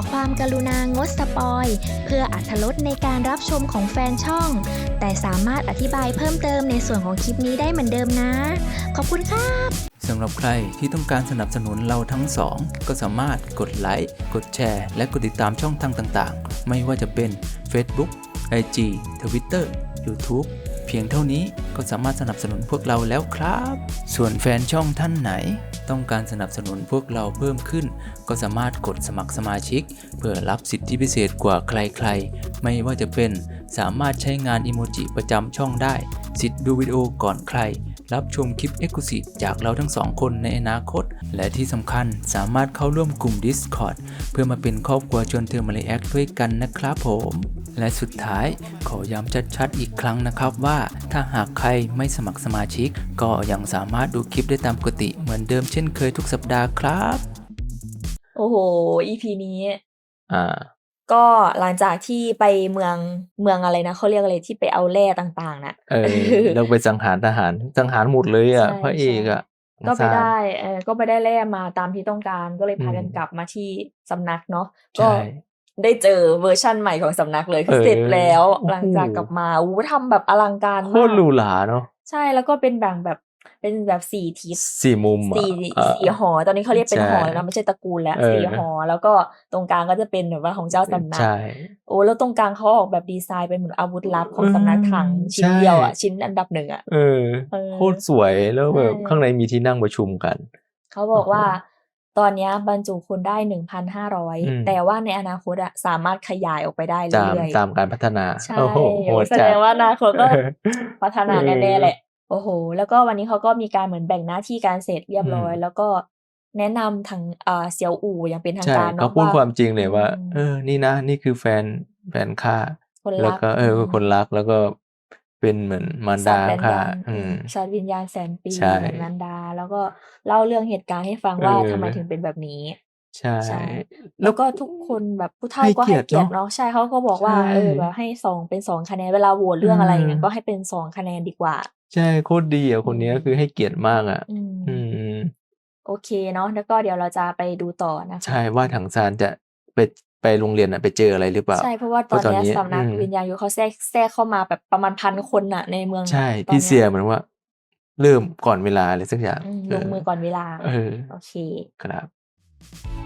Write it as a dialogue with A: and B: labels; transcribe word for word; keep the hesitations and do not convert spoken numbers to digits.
A: ความกรุณางดสปอยเพื่ออรรถรสในการรับชมของแฟนช่องแต่สามารถอธิบายเพิ่มเติมในส่วนของคลิปนี้ได้เหมือนเดิมนะขอบคุณครับ
B: สำหรับใครที่ต้องการสนับสนุนเราทั้งสองก็สามารถกดไลค์กดแชร์และกดติดตามช่องทางต่างๆไม่ว่าจะเป็น Facebook ไอ จี Twitter YouTube เพียงเท่านี้ก็สามารถสนับสนุนพวกเราแล้วครับส่วนแฟนช่องท่านไหนต้องการสนับสนุนพวกเราเพิ่มขึ้นก็สามารถกดสมัครสมาชิกเพื่อรับสิทธิพิเศษกว่าใครๆไม่ว่าจะเป็นสามารถใช้งานอิโมจิประจำช่องได้สิทธิ์ดูวิดีโอก่อนใครรับชมคลิป Exclusive จากเราทั้งสองคนในอนาคตและที่สำคัญสามารถเข้าร่วมกลุ่ม Discord เพื่อมาเป็นครอบครัวชวนเธอมาเลแอคด้วยกันนะครับผมและสุดท้ายขอย้ำชัดๆอีกครั้งนะครับว่าถ้าหากใครไม่สมัครสมาชิกก็ยังสามารถดูคลิปได้ตามปกติเหมือนเดิมเช่นเคยทุกสัปดาห์ครับ
C: โอ้โห อี พี นี้
B: อ่า
C: ก็หลังจากที่ไปเมืองเมืองอะไรนะเขาเรียกอะไรที่ไปเอาแร่ต่างๆน่ะ
B: เออเราไปสังหารทหารสังหารหมดเลยอ่ะพระเอกอ่ะ
C: ก็ไปได้เออก็ไปได้แร่มาตามที่ต้องการก็เลยพากันกลับมาที่สำนักเนาะก็ได้เจอเวอร์ชั่นใหม่ของสำนักเลยคือเสร็จแล้วหลังจากกลับมาอู้ทำแบบอลังการมาก
B: โคตรหรูหราเนาะ
C: ใช่แล้วก็เป็นแบ่งแบบเป็นแบบสี่ทิศ
B: สี่มุม
C: สี่สี่หอตอนนี้เขาเรียกเป็นหอแล้วนะไม่ใช่ตระกูลแล้วสี่หอแล้วก็ตรงกลางก็จะเป็นแบบว่าของเจ้าสำนักโอ้แล้วตรงกลางเขาออกแบบดีไซน์เป็นเหมือนอาวุธลับของสำนักถังชิ้นเดียวอ่ะชิ้นอันดับหนึ่งอ่ะ
B: เออโคตรสวยแล้วแบบข้างในมีที่นั่งประชุมกัน
C: เขาบอกว่าตอนนี้บรรจุคนได้ หนึ่งพันห้าร้อย แต่ว่าในอนาคตอะสามารถขยายออกไปได้เรื่อย
B: ๆตามการพัฒนา
C: โอ้โหแสดงว่าอนาคตก็พัฒนาแน่ๆแหละโอ้โหแล้วก็วันนี้เขาก็มีการเหมือนแบ่งหน้าที่การเสร็จเรียบร้อยแล้วก็แนะนำทางอ่าเสี่ยวอู่อย่างเป็นทางการ
B: เนาะเขาพูดความจริงเลยว่าเออนี่นะนี่คือแฟนแฟนข้าแล้วก็เออคนรักแล้วก็เป็นเหมือนมารดาค่ะ
C: อืมสัตว์วิญญาณแสนปีเหมือนมารดาแล้วก็เล่าเรื่องเหตุการณ์ให้ฟังว่าทำไมถึงเป็นแบบนี้
B: ใช่
C: แล้วก็ทุกคนแบบผู้เฒ่าก็ให้เกียรติเนาะใช่เขาก็บอกว่าเออแบบให้สองเป็นสองคะแนนเวลาโหวตเรื่องอะไรอย่างเงี้ยก็ให้เป็นสองคะแนนดีกว่า
B: ใช่โคตรดีอ่ะคนนี้คือให้เกียรติมากอ่ะอืม
C: โอเคเนาะแล้วก็เดี๋ยวเราจะไปดูต่อนะคะ
B: ใช่ว่าถังซานจะไปไปโรงเรียนอ่ะไปเจออะไรหรือเปล่า
C: ใช่เพราะว่าตอนนี้สำนักวิญญาณยุทธเขาแทรกแทรกเข้ามาแบบประมาณพันคนน่ะในเมือง
B: ใช่พี่เสียเหมือนว่าเริ่มก่อนเวลาอะไรสักอย่าง
C: ลงมือก่อนเวลา
B: เออ
C: โอเค
B: ครับ